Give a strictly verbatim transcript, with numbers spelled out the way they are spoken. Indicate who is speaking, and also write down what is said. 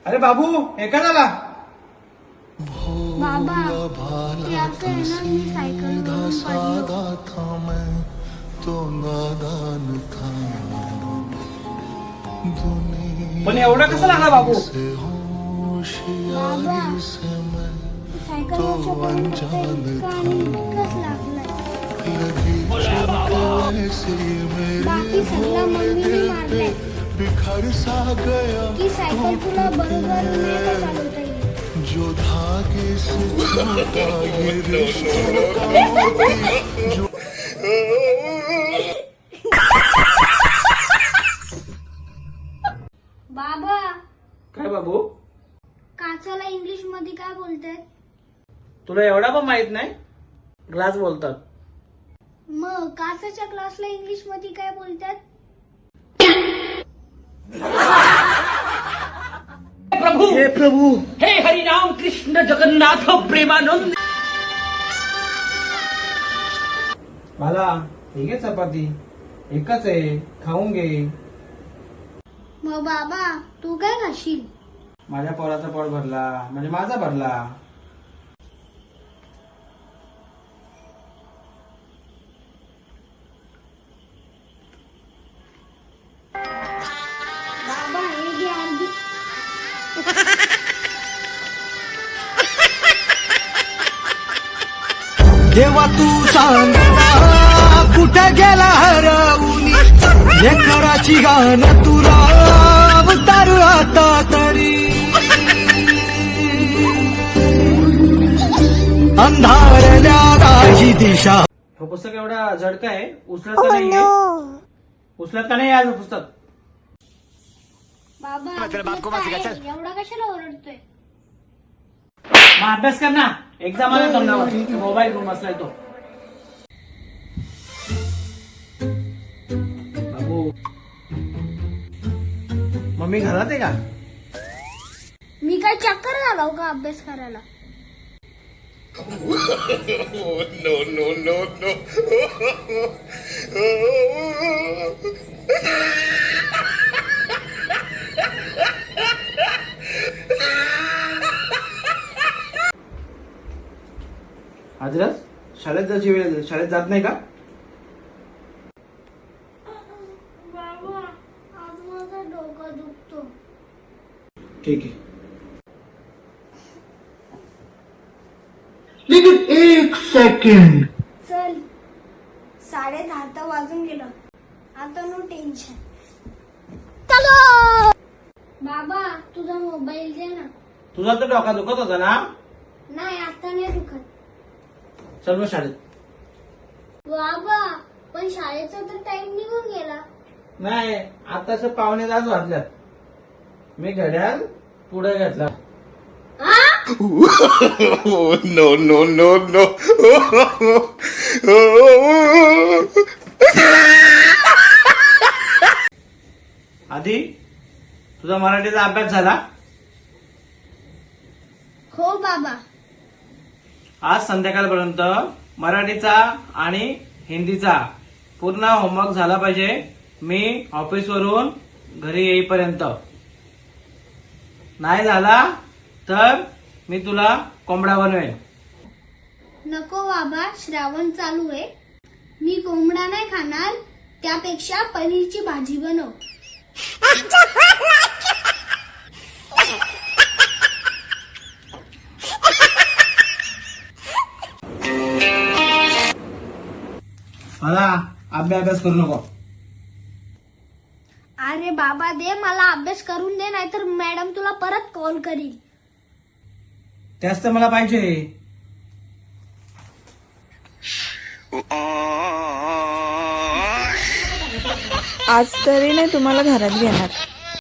Speaker 1: अरे बाबू हे का झाला?
Speaker 2: बाबा ते असं आहे ना, मी सायकलवरून पडलो.
Speaker 1: पण एवढा कसा लागला बाबू?
Speaker 2: बाबा सायकलवरच्या पडून इतका आणि इतकाच लागलाय. बाकी सगळा मम्मीने मारलाय की सायकल तुला बरोबर नाही का चालवता येईल.
Speaker 3: जो धागे से छूटा ये रिश्तों का मोती जो
Speaker 2: बाबा
Speaker 1: काय बाबू?
Speaker 2: काचाला इंग्लिश मध्ये काय बोलतात?
Speaker 1: तुला एवढा पण माहित नाही? ग्लास बोलतात.
Speaker 2: मग काचाच्या क्लासला इंग्लिश मध्ये काय बोलतात?
Speaker 4: प्रभु
Speaker 1: हे प्रभू,
Speaker 4: हे हरिनाम कृष्ण जगन्नाथ प्रेमानंद.
Speaker 1: मला ठीक आहे चपाती एकच आहे, खाऊन घे.
Speaker 2: मग बाबा तू काय खाशील?
Speaker 1: माझ्या पोराचा पोट भरला म्हणजे माझा भरला.
Speaker 2: बाबा हे घे अर्धी.
Speaker 5: देवा तू सांग कुठे गेला हरवून लेकराची गाण तुला अवतार आता तरी अंधारल्या राजी दिशा.
Speaker 1: हे पुस्तक एवढा झडका आहे, उचलत का नाहीये? उचलत का नाही आज पुस्तक?
Speaker 2: बाबा काय? एवढा कशाला ओरडतोय?
Speaker 1: मग अभ्यास कर ना, एक्झाम आला तोंडावर. मोबाईल घेऊन बसलाय तो. बाबू मम्मी घरात आहे का?
Speaker 2: मी काय चक्कर झालो का अभ्यास करायला?
Speaker 3: no no no no
Speaker 1: आजरस शाळेत जायची वेळ झाली. शाळेत जात नाही का?
Speaker 2: बाबा आज माझा डोका दुखतो.
Speaker 1: ठीक आहे.
Speaker 5: एक सेकंड.
Speaker 2: चल साडे दहा तर वाजून गेलं. आता नो टेन्शन. चलो बाबा तुझा मोबाईल दे ना.
Speaker 1: तुझा तर डोका दुखत होता ना?
Speaker 2: नाही आता नाही दुखत.
Speaker 1: चल मग शाळेत.
Speaker 2: बाबा पण शाळेचा तर टाइम निघून गेला.
Speaker 1: नाही आताच पावणे दहाच वाजल्यात. मी घड्याळ पुढे घेतला.
Speaker 3: no no no no
Speaker 1: आधी तुझा मराठीचा अभ्यास झाला?
Speaker 2: हो बाबा.
Speaker 1: आज संध्याकाळपर्यंत मराठीचा आणि हिंदीचा पूर्ण होमवर्क झाला पाहिजे. मी ऑफिसवरून घरी येईपर्यंत. नाही झाला तर मी तुला कोंबडा बनवेन.
Speaker 2: नको बाबा श्रावण चालू आहे. मी कोंबडा नाही खाणार. त्यापेक्षा पनीरची भाजी बनव.
Speaker 1: मला अभ्यास अभ्यास करू नको.
Speaker 2: अरे बाबा दे मला अभ्यास करून दे, नाहीतर मॅडम तुला परत कॉल करील.
Speaker 1: त्याच तर मला पाहिजे.
Speaker 6: आज तरी नाही तुम्हाला घरात घेणार.